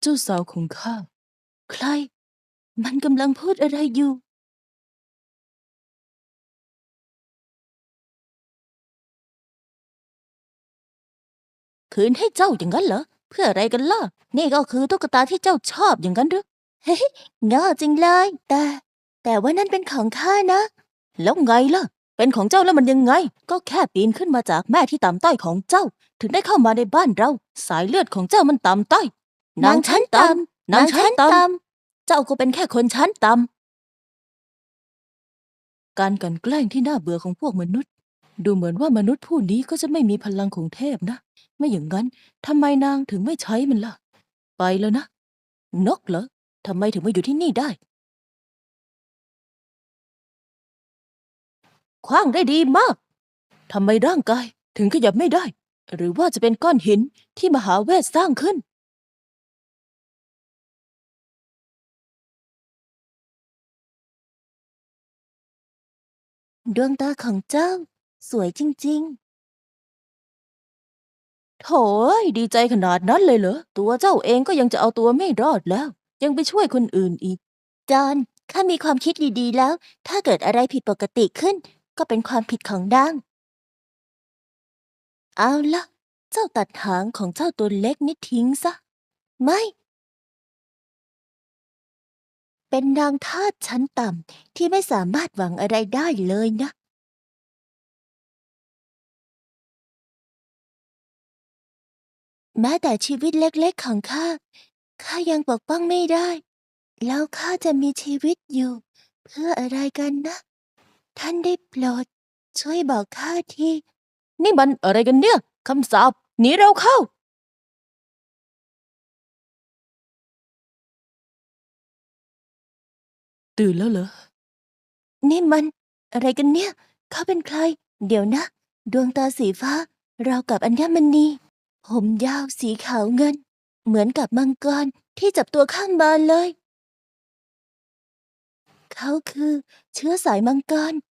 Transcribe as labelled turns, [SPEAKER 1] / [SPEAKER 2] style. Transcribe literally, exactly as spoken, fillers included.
[SPEAKER 1] เจ้าสาวของข้าใครมันกำลังพูดอะไรอยู่คืนให้เจ้าอย่างนั้นเหรอเพื่ออะไรกันล่ะนี่ก็คือตุ๊กตาที่เจ้าชอบอย่างนั้นหรือเฮ้ยง่อจริงเลยแต่แต่ว่านั่นเป็นของข้านะแล้วไงล่ะเป็นของเจ้าแล้วมันยังไงก็แค่ปีนขึ้นมาจากแม่ที่ต่ำต้อยของเจ้าถึงได้เข้ามาในบ้านเราสายเลือดของเจ้ามันต่ำต้อยนางชั้นต่ำนางชั้นต่ำเจ้าก็เป็นแค่คนชั้นต่ำการกลั่นแกล้งที่น่าเบื่อของพวกมนุษย์ดูเหมือนว่ามนุษย์ผู้นี้ก็จะไม่มีพลังของเทพนะไม่อย่างนั้นทำไมนางถึงไม่ใช้มันล่ะไปแล้วนะนกเหรอทำไมถึงมาอยู่ที่นี่ได้ขว้างได้ดีมากทำไมร่างกายถึงขยับไม่ได้หรือว่าจะเป็นก้อนหินที่มหาเวทสร้างขึ้นดวงตาของเจ้าสวยจริงๆโถ่เอ้ยดีใจขนาดนั้นเลยเหรอตัวเจ้าเองก็ยังจะเอาตัวไม่รอดแล้วยังไปช่วยคนอื่นอีกจอนข้ามีความคิดดีๆแล้วถ้าเกิดอะไรผิดปกติขึ้นก็เป็นความผิดของนางเอาล่ะเจ้าตัดหางของเจ้าตัวเล็กนี่ทิ้งซะไม่เป็นนางทาสชั้นต่ำที่ไม่สามารถหวังอะไรได้เลยนะแม้แต่ชีวิตเล็กๆของข้าข้ายังปกป้องไม่ได้แล้วข้าจะมีชีวิตอยู่เพื่ออะไรกันนะท่านได้โปรดช่วยบอกข้าทีนี่มันอะไรกันเนี่ยคำสาปหนีเราเข้าตื่นแล้วเหรอนี่มันอะไรกันเนี่ยเขาเป็นใครเดี๋ยวนะดวงตาสีฟ้าราวกับอัญมณีผมยาวสีขาวเงินเหมือนกับมังกรที่จับตัวข้างมาเลยเขาคือเชื้อสายมังกร